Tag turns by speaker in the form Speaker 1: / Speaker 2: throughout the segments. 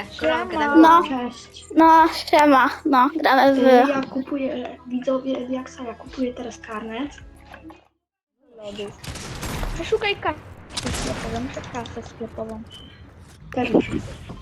Speaker 1: Koronkę, tak?
Speaker 2: No.
Speaker 3: Cześć.
Speaker 2: No, siema. No, gramy w...
Speaker 3: Ja kupuję, widzowie Diaksa, ja kupuję teraz karnet.
Speaker 1: Lodów. Przeszukaj kasę sklepową, muszę kasę sklepową.
Speaker 3: Też muszę.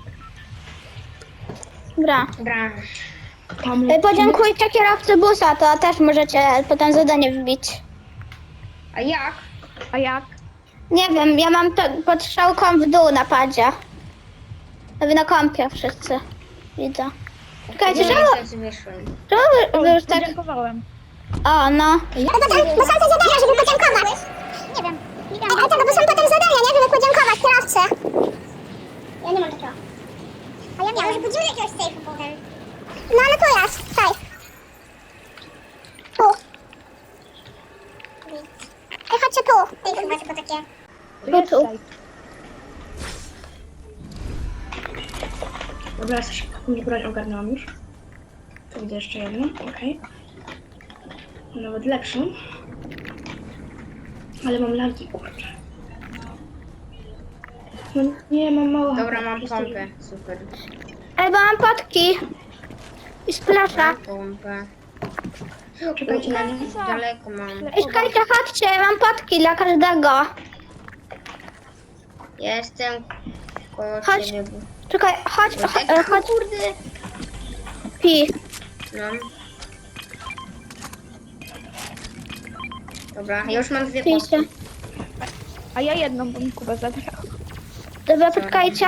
Speaker 2: Gra.
Speaker 1: Gra.
Speaker 3: Tam
Speaker 2: Podziękujcie kierowcy busa, to też możecie potem zadanie wbić.
Speaker 1: A jak? A jak?
Speaker 2: Nie wiem, ja mam to pod strzałką w dół na padzie. Wy na kąpie wszyscy. Widzę. Czekajcie, czemu wy już tak...
Speaker 1: Podziękowałem.
Speaker 2: O, no.
Speaker 4: Bo są te zadania, żeby podziękować. Nie wiem. Ale tego, bo są potem zadania, nie? Żeby podziękować kierowcy. Ja nie mam takiego. A ja miałem. Budzimy jakiegoś sejfu potem. No ale tu jest, safe. Tu. Ej, chodźcie tu. To jest chyba tylko takie...
Speaker 2: Tu.
Speaker 3: Dobra, jakąś broń ogarnęłam już. Tu widzę jeszcze jedną, okej. Nawet lepszą. Ale mam lagi, kurczę. No nie, mam mało.
Speaker 1: Dobra, mam
Speaker 3: historii.
Speaker 1: pompę. Super.
Speaker 2: Ej, bo mam potki. I splasza.
Speaker 1: Pompę.
Speaker 3: Czekajcie na mnie.
Speaker 1: Daleko mam.
Speaker 2: Ej, czekajcie, chodźcie, mam potki dla każdego.
Speaker 1: Jestem koło
Speaker 2: Chodź.
Speaker 1: ciebie.
Speaker 2: Czekaj, chodź, chodź.
Speaker 1: Kurde.
Speaker 2: Pi.
Speaker 1: No. Dobra, ja już mam dwie
Speaker 2: Pijcie.
Speaker 1: potki.
Speaker 5: A ja jedną, bo mi Kuba zabrał.
Speaker 2: Dobra, poczekajcie.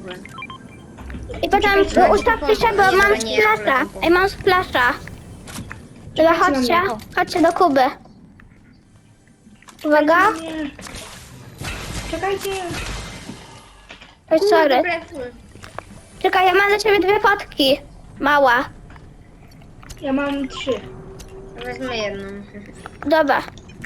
Speaker 2: I potem ustawcie się, bo mam splasza. Ej, mam splasza. Dobra, chodźcie. Chodźcie do Kuby. Uwaga.
Speaker 3: Nie. Czekajcie.
Speaker 2: Oj, sorry.
Speaker 1: Dobra,
Speaker 2: Czekaj, ja mam dla ciebie dwie potki. Mała.
Speaker 3: Ja mam 3.
Speaker 1: wezmę jedną.
Speaker 2: Dobra.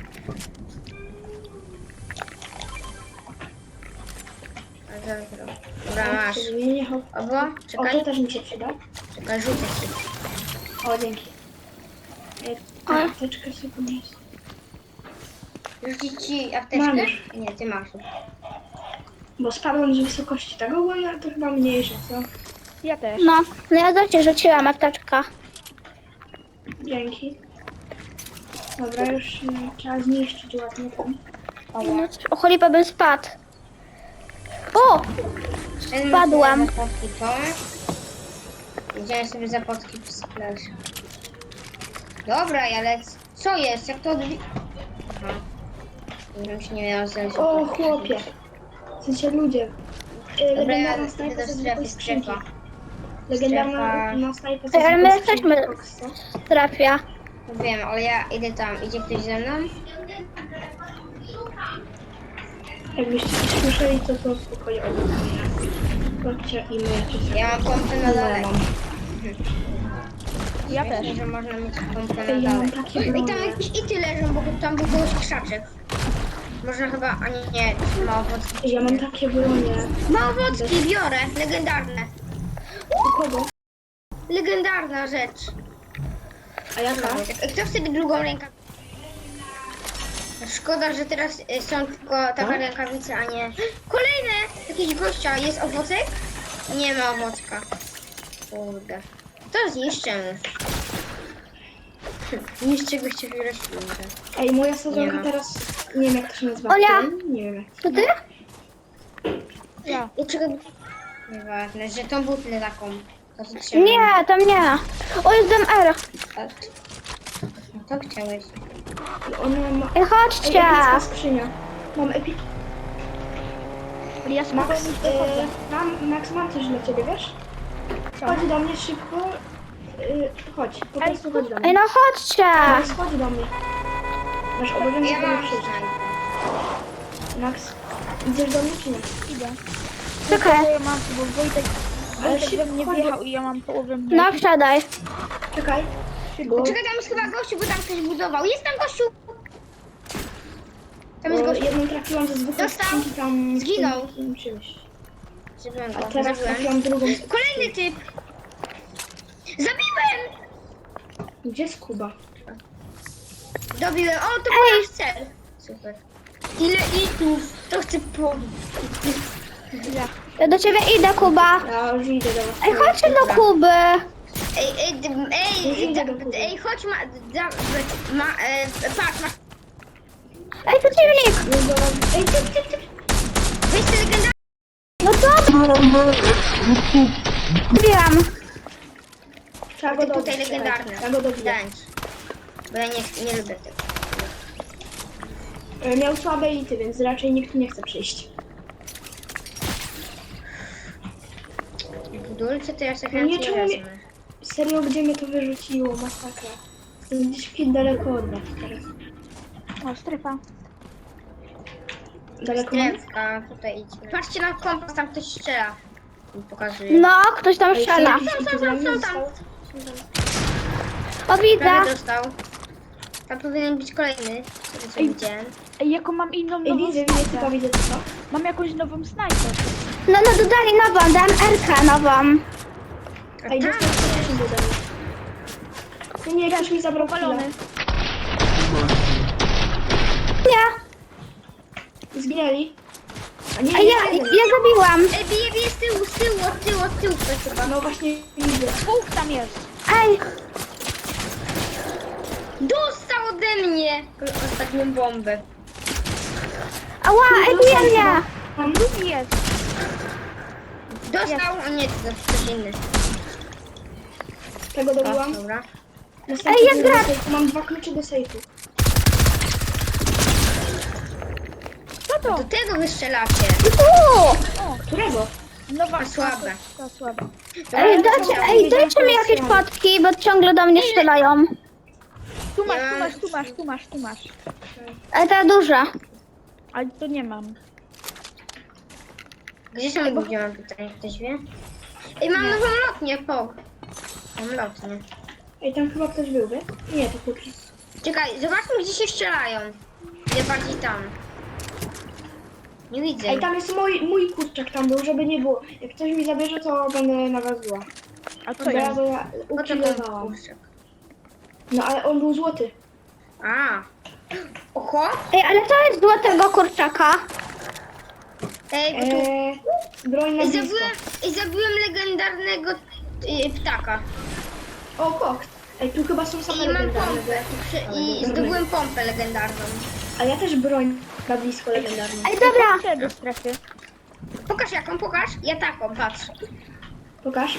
Speaker 1: Dobra, masz.
Speaker 3: Zmienię ho.
Speaker 1: Obo,
Speaker 3: O, to
Speaker 1: czekaj.
Speaker 3: też mi się przyda.
Speaker 1: Czekaj, rzucę ci.
Speaker 3: O, dzięki. Apteczkę sobie podniosę.
Speaker 1: Rzucić ci
Speaker 3: Mam
Speaker 1: apteczkę?
Speaker 3: już.
Speaker 1: Nie, ty masz.
Speaker 3: Bo spadłam z wysokości tego, bo ja to chyba mniejsze, co?
Speaker 5: Ja też.
Speaker 2: No ja do ciebie rzuciłam apteczkę.
Speaker 3: Dzięki. Dobra, już trzeba zniszczyć ładnie tam.
Speaker 2: O, cholipa bym spadł. O! Spadłam.
Speaker 1: Zapotki to. Idziemy sobie zapotki w splash. Dobra, ale co jest? Jak to odbi... Aha. Żebym się nie miała znaleźć.
Speaker 3: O, chłopie. W sensie ludzie.
Speaker 1: Dobra, ja
Speaker 3: Legendarna
Speaker 1: idę
Speaker 3: snajpa
Speaker 1: do
Speaker 3: ze
Speaker 1: strefy
Speaker 3: zwykłej skrzynki.
Speaker 1: strefa.
Speaker 3: Legendarna snajpa ze
Speaker 2: Ej, ale my
Speaker 3: zwykłej
Speaker 2: jesteśmy
Speaker 3: skrzynki Foxa.
Speaker 2: w strefie.
Speaker 1: No wiem, ale ja idę tam. Idzie ktoś ze mną?
Speaker 3: Jakbyście coś słyszeli, to spokojnie odmówię. Chodźcie i myjcie się.
Speaker 1: Ja mam pompę na dole.
Speaker 5: Ja
Speaker 1: Myślę,
Speaker 5: też.
Speaker 1: że można mieć pompę na
Speaker 3: Ej, ja
Speaker 1: dole.
Speaker 3: mam takie
Speaker 1: I tam
Speaker 3: bronie.
Speaker 1: jakieś ity leżą, bo tam był kogoś krzaczek. Można chyba... A nie, małowocki.
Speaker 3: Ja mam takie bronie.
Speaker 1: Małowocki biorę, legendarne.
Speaker 3: U kogo?
Speaker 1: Legendarna rzecz.
Speaker 3: A ja tak.
Speaker 1: Kto wtedy drugą rękę? Szkoda, że teraz są tylko taka rękawica, a nie... Kolejne! Jakiś gościa. Jest owocek? Nie ma owocka. Kurde. To zniszczę. Niszczę gościa w roślinkę.
Speaker 3: Ej, moja
Speaker 1: Nie
Speaker 3: sadzonka
Speaker 1: ma.
Speaker 3: teraz... Nie wiem, jak to się nazywa.
Speaker 2: Ola!
Speaker 3: Nie wiem jak.
Speaker 2: To ty?
Speaker 5: Ja.
Speaker 1: Dlaczego... Nieważne, że tą butlę taką. To co trzeba.
Speaker 2: Nie, tam nie. O, jest MR.
Speaker 1: Tak. No to chciałeś.
Speaker 3: Ona ma...
Speaker 2: Ej,
Speaker 3: Ej,
Speaker 2: chodźcie.
Speaker 3: epicka skrzynia. Mam epic...
Speaker 5: Ja spokojnie
Speaker 3: Max,
Speaker 5: wychodzę.
Speaker 3: Max, mam coś dla ciebie, wiesz? Chodź do mnie szybko. Chodź, po prostu chodź do
Speaker 2: Ej,
Speaker 3: mnie.
Speaker 2: no chodźcie.
Speaker 3: Max, chodź do mnie. Masz obowiązek
Speaker 1: Ja
Speaker 3: do mnie
Speaker 1: mam
Speaker 3: przyjść.
Speaker 1: snajpę.
Speaker 3: Max, idziesz do mnie czy nie?
Speaker 5: Idę.
Speaker 2: Czekaj.
Speaker 5: Ja mam, bo Wojtek we mnie
Speaker 3: chodź,
Speaker 5: wjechał i ja mam połowę mnie.
Speaker 2: No, wsiadaj.
Speaker 3: Czekaj. Bo,
Speaker 1: Czekaj, tam jest chyba gościu, bo tam ktoś budował. Jest tam gościu! Tam jest
Speaker 3: bo
Speaker 1: gościu.
Speaker 3: jedną trafiłam ze zwykłej
Speaker 1: Dostał.
Speaker 3: skrzynki tam...
Speaker 1: Zginął.
Speaker 3: w tym czymś.
Speaker 1: Zabiłem
Speaker 3: A
Speaker 1: go.
Speaker 3: teraz
Speaker 1: Zabiłem.
Speaker 3: trafiłam drugą...
Speaker 1: Kolejny typ! Zabiłem!
Speaker 3: Gdzie jest Kuba?
Speaker 1: Dobiłem. O, to był nasz cel. Super. Ile itów? To chcę powiedzieć.
Speaker 5: Ja.
Speaker 2: Ja do ciebie idę, Kuba.
Speaker 3: Ja już idę do was.
Speaker 2: Ej, chodźcie do Kuby.
Speaker 1: Chodź, patrz, masz,
Speaker 2: Ej, przeciwnik.
Speaker 3: Już do was. Ej, ty.
Speaker 1: weź te legendarne.
Speaker 2: No dobra. Wiem.
Speaker 3: Trzeba go
Speaker 1: Ty
Speaker 3: dobić.
Speaker 1: tutaj legendarne.
Speaker 3: Trzeba go dobić.
Speaker 1: Tańcz. Bo ja nie lubię tego.
Speaker 3: Miał słabe ity, więc raczej nikt nie chce przyjść.
Speaker 1: W dulce to ja sobie
Speaker 3: No nie,
Speaker 1: chętnie
Speaker 3: czemu nie-
Speaker 1: wezmę.
Speaker 3: Serio, gdzie mnie to wyrzuciło? Masakra. Jestem gdzieś w daleko od was teraz.
Speaker 5: O, strefa.
Speaker 3: Daleko mam?
Speaker 1: Strefka, tutaj idźmy. Patrzcie na kompas, tam ktoś strzela. Mi pokazuje.
Speaker 2: No, ktoś tam strzela. O, widzę.
Speaker 1: Prawie dostał. Tam powinien być kolejny. Z tego co widziałem.
Speaker 5: Ej, jaką mam inną
Speaker 3: Ej,
Speaker 5: nową
Speaker 3: widzę,
Speaker 5: snajpę.
Speaker 3: tylko widzę co.
Speaker 5: Mam jakąś nową snajpę.
Speaker 2: No, dodali nową, dam RK nową.
Speaker 3: Ej,
Speaker 1: tam
Speaker 3: dostał coś do mnie. No nie, ktoś mi zabrał
Speaker 5: Palony.
Speaker 2: Nie.
Speaker 3: Zginęli. A nie,
Speaker 2: Ej, ja zabiłam.
Speaker 1: Ej, bije z tyłu, od tyłu ktoś chyba.
Speaker 3: No właśnie widzę.
Speaker 5: Dwóch tam jest.
Speaker 2: Ej,
Speaker 1: Dostał ode mnie ostatnią bombę.
Speaker 2: ała, ej, bije mnie.
Speaker 3: Mam
Speaker 5: Drugi jest.
Speaker 1: Dostał, o nie, to ktoś inny.
Speaker 3: tego
Speaker 1: O,
Speaker 3: dobyłam.
Speaker 1: dobra.
Speaker 3: Następny
Speaker 2: Ej, jest
Speaker 3: do
Speaker 2: brat.
Speaker 3: sejfu. Mam 2 klucze do sejfu.
Speaker 5: Co to?
Speaker 1: Do tego wystrzelacie.
Speaker 2: Tu.
Speaker 5: O,
Speaker 3: Którego?
Speaker 5: nowa.
Speaker 1: A słabe.
Speaker 5: To słabe.
Speaker 2: Ej, dajcie mi jakieś potki, bo ciągle do mnie strzelają.
Speaker 5: Tu masz.
Speaker 2: Ale ta duża.
Speaker 5: Ale to nie mam.
Speaker 1: Gdzie są ludzie, mam pytanie, ktoś wie? Ej, mam nową lotnię, Mam lotnię.
Speaker 3: Ej, tam chyba ktoś był, wie? Nie, to klucze.
Speaker 1: Czekaj, zobaczmy gdzie się strzelają. Gdzie bardziej tam. Nie widzę.
Speaker 3: Ej, tam jest mój kurczak tam był, żeby nie było. Jak ktoś mi zabierze, to będę na was zła.
Speaker 5: A co
Speaker 3: Bo
Speaker 5: jest?
Speaker 3: ja
Speaker 1: Po co ten
Speaker 3: ukillowałam.
Speaker 1: kurczak?
Speaker 3: No ale on był złoty.
Speaker 1: A. Oho.
Speaker 2: Ej, ale to jest złotego kurczaka.
Speaker 1: Ej, bo tu...
Speaker 3: Broń na blisko.
Speaker 1: zabiłem legendarnego ptaka.
Speaker 3: O, koks. Ej, tu chyba są same
Speaker 1: I mam
Speaker 3: legendarne.
Speaker 1: pompę. I zdobyłem pompę legendarną.
Speaker 3: A ja też broń na blisko legendarną.
Speaker 2: Ej, dobra.
Speaker 5: Chcę do strefy.
Speaker 1: Pokaż jaką, pokaż. Ja taką, patrz.
Speaker 3: Pokaż.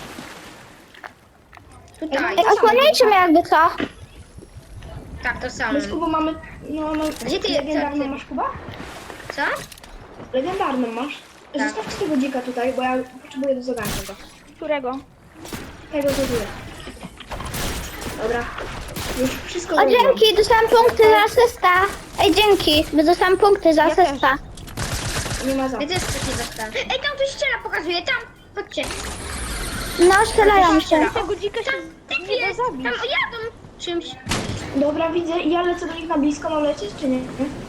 Speaker 1: Tutaj.
Speaker 2: Ej, osłaniajcie mnie jakby co.
Speaker 1: Tak, to samo.
Speaker 3: My z Kubą mamy... No,
Speaker 1: Gdzie ty-
Speaker 3: legendarną
Speaker 1: co ty-
Speaker 3: masz, Kuba?
Speaker 1: Co?
Speaker 3: Legendarną masz?
Speaker 1: Tak.
Speaker 3: Zostawcie tego dzika tutaj, bo ja potrzebuję do zadania go.
Speaker 5: Którego?
Speaker 3: Tego to tyle. Dobra. Już wszystko
Speaker 2: O,
Speaker 3: zrobiłam.
Speaker 2: dzięki, dostałam punkty za asysta. Ej, dzięki, bo dostałam punkty za
Speaker 5: Ja też.
Speaker 2: asysta.
Speaker 3: Nie ma za.
Speaker 1: Ja też coś nie dostałem. Ej, tam ktoś strzela, pokazuje, tam. Chodźcie.
Speaker 2: No, strzelają się.
Speaker 5: Tego dzika się
Speaker 1: Typ
Speaker 5: nie da
Speaker 1: jest.
Speaker 5: zabić.
Speaker 1: Tam jadą czymś.
Speaker 3: Dobra, widzę i ja lecę do nich na blisko, mam lecieć czy nie?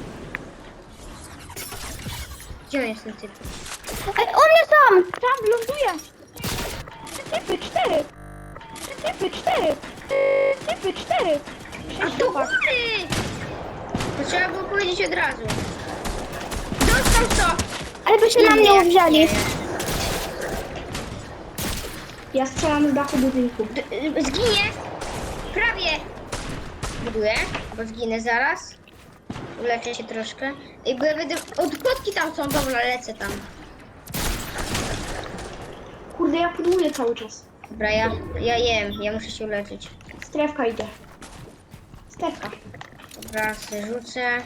Speaker 1: Gdzie on jest ten typ?
Speaker 2: Ej, u mnie są.
Speaker 5: Tam ląduje. Typy 4. Typy 4.
Speaker 1: A to góry! To trzeba było powiedzieć od razu. Dostał co?
Speaker 2: Ale by się na mnie uwzięli.
Speaker 3: Ja strzelam z dachu budynku.
Speaker 1: Zginie. Prawie. Buduję, bo zginę zaraz. Uleczę się troszkę. I bo ja będę... Od kotki tam są, dobra, lecę tam.
Speaker 3: Kurde, ja pudłuję cały czas.
Speaker 1: Dobra, ja jem, ja muszę się uleczyć.
Speaker 3: Strefka idzie. Strefka.
Speaker 1: Dobra, sobie rzucę.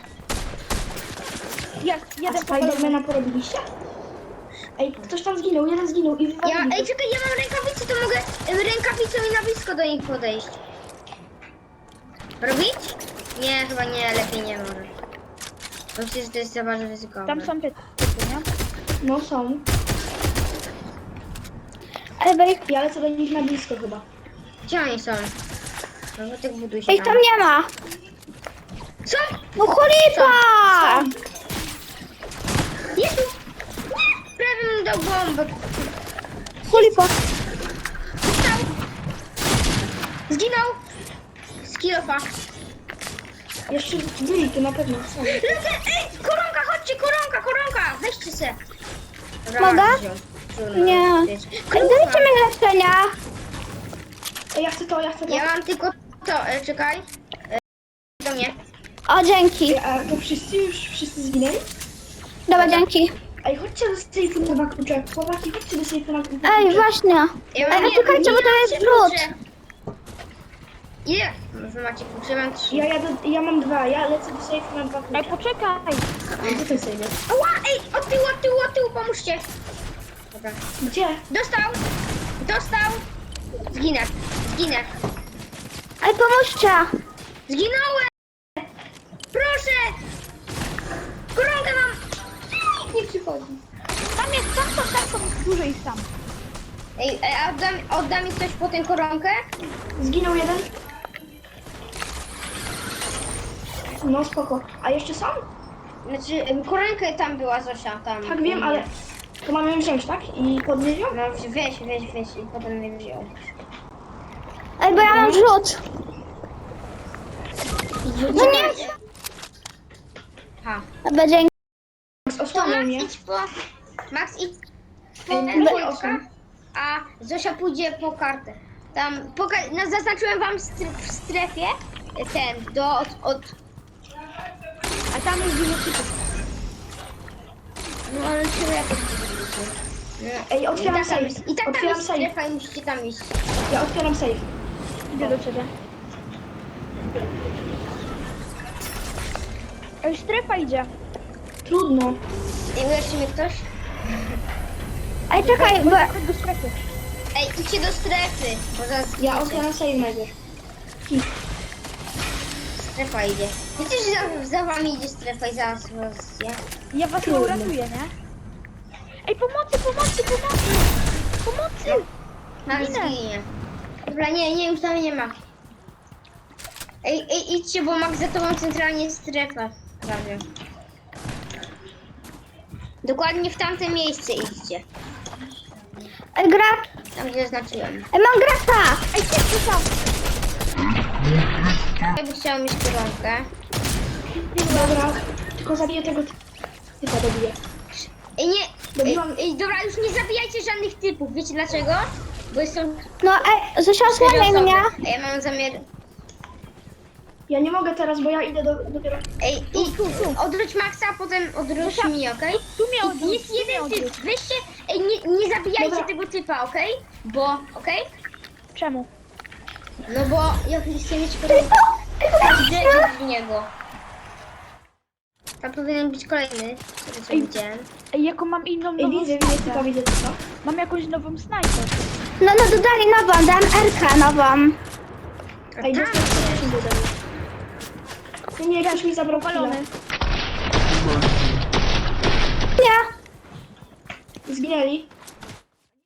Speaker 5: Jest,
Speaker 3: A
Speaker 5: jeden popalony.
Speaker 3: Spidermana porobiliście? Ej, ktoś tam zginął, jeden zginął i wywalili.
Speaker 1: Ej, czekaj, ja mam rękawice, to mogę rękawicą i na blisko do nich podejść. Robić? Nie, chyba nie, lepiej nie może. Bo myślę, że to jest za bardzo ryzykowne.
Speaker 5: Tam są typy, nie?
Speaker 3: No są.
Speaker 2: Ej, bo ich,
Speaker 3: Ja lecę do nich na blisko chyba.
Speaker 1: Gdzie oni są? No bo tak buduj się
Speaker 2: ich tam nie ma.
Speaker 1: Co?
Speaker 2: No chulipa!
Speaker 1: Jezu! Prawie mi dał bombę.
Speaker 2: Chulipa.
Speaker 1: Dostał. Zginął. Skillofa.
Speaker 3: Jeszcze byli tu na pewno są.
Speaker 1: Lecę! Ej, koronka, chodźcie, koronka! Weźcie se. Dobra,
Speaker 2: Mogę?
Speaker 1: wziął. szczur.
Speaker 2: Nie. Dajcie mi leczenia.
Speaker 3: Ej, ja chcę to.
Speaker 1: Ja mam tylko to, czekaj. Do mnie.
Speaker 2: O, dzięki.
Speaker 3: Ej, a to wszyscy zginęli?
Speaker 2: Dobra, dzięki.
Speaker 3: Ej, chodźcie do sejfu na 2 klucze. Chłopaki, chodźcie do sejfu na 2 klucze.
Speaker 2: Ej, właśnie.
Speaker 1: Ja
Speaker 2: Ej, czekajcie, bo to jest wrót.
Speaker 1: Ile? Wy macie klucze? Ja mam 3.
Speaker 3: Ja mam 2, ja lecę do sejfu na 2
Speaker 5: Ej,
Speaker 3: klucze.
Speaker 5: poczekaj.
Speaker 3: Gdzie ten sejf jest?
Speaker 1: Ała, ej, od tyłu, pomóżcie. Dobra.
Speaker 3: Gdzie?
Speaker 1: Dostał. Zginę.
Speaker 2: Ej, pomóżcie.
Speaker 1: Zginąłem. Proszę. Koronkę mam. Nie przychodzi.
Speaker 5: Tam są dużo ich tam.
Speaker 1: Ej, a odda mi ktoś po tę koronkę?
Speaker 3: Zginął jeden. No spoko. A jeszcze są?
Speaker 1: Znaczy, koronkę tam była Zosia, tam.
Speaker 3: Tak wiem, ale to mamy ją wziąć, tak? I podnieść ją?
Speaker 1: No weź i potem mnie wziął.
Speaker 2: Ej, bo ja mam rzut. No nie.
Speaker 1: Ha.
Speaker 2: Dobra, dzięki.
Speaker 1: To
Speaker 3: Osłaniaj
Speaker 1: Max
Speaker 3: mnie.
Speaker 1: idź po... Max idź po
Speaker 3: Ej,
Speaker 1: Wojtka, a Zosia pójdzie po kartę. Tam, no, zaznaczyłem wam w strefie ten,
Speaker 5: A tam jest dużo typów.
Speaker 1: No ale czemu ja to
Speaker 3: Ej, otwieram safe.
Speaker 1: I tak tam
Speaker 3: Otwieram
Speaker 1: jest
Speaker 3: safe.
Speaker 1: strefa i musicie tam iść.
Speaker 3: Ja otwieram safe.
Speaker 5: Idę do ciebie. Ej, strefa idzie.
Speaker 3: Trudno.
Speaker 1: Ej, uleczy mnie ktoś?
Speaker 2: Ej, czekaj, bo...
Speaker 5: Chodź do strefy.
Speaker 1: Ej, idźcie do strefy, bo zaraz
Speaker 3: Ja otwieram safe najpierw.
Speaker 1: strefa idzie. Wiecie, że za wami idzie strefa i zaraz was...
Speaker 5: Ja was nie uratuję, nie? Ej, pomocy!
Speaker 1: Max
Speaker 5: Ginę.
Speaker 1: ginie. Dobra, nie, już tam nie ma. Ej, idźcie, bo Max za tobą centralnie jest strefa. Prawie. Dokładnie w tamte miejsce idźcie.
Speaker 2: Ej, gracz.
Speaker 1: Tam, gdzie zaznaczyłem.
Speaker 2: Ej, mam gracza.
Speaker 5: Ej, ty tam!
Speaker 1: Ja bym chciała mieć koronkę.
Speaker 3: Dobra, tylko zabiję tego typa, dobiję.
Speaker 1: Ej, nie!
Speaker 3: Dobiłam.
Speaker 1: Ej, dobra, już nie zabijajcie żadnych typów. Wiecie dlaczego? Bo są
Speaker 2: No, ej, Zosia, osłaniaj mnie.
Speaker 1: A ja mam zamiar...
Speaker 3: Ja nie mogę teraz, bo ja idę dopiero...
Speaker 1: Ej, odwróć Maxa, a potem odwróć mnie, okej?
Speaker 5: Tu mnie odwróć,
Speaker 1: Jest
Speaker 5: tu mnie
Speaker 1: jeden typ,
Speaker 5: odwróć.
Speaker 1: weźcie... Ej, nie zabijajcie
Speaker 3: Dobra.
Speaker 1: tego typa, okej? Bo, okej?
Speaker 5: Czemu?
Speaker 1: No bo ja chcę mieć koronkę. Idę w niego. Tam powinien być kolejny, który co
Speaker 5: Ej.
Speaker 1: widziałem.
Speaker 5: Ej, jaką mam inną
Speaker 3: Ej,
Speaker 5: nową
Speaker 3: widzę typa, widzę typa.
Speaker 5: Mam jakąś nową snajper.
Speaker 2: No, dodali nową, dam RK nową.
Speaker 1: A
Speaker 3: Ej,
Speaker 1: tam
Speaker 3: dostał się do mnie. Nie, ktoś mi zabrał
Speaker 5: Palony.
Speaker 3: chwilę.
Speaker 2: Nie.
Speaker 3: Zginęli.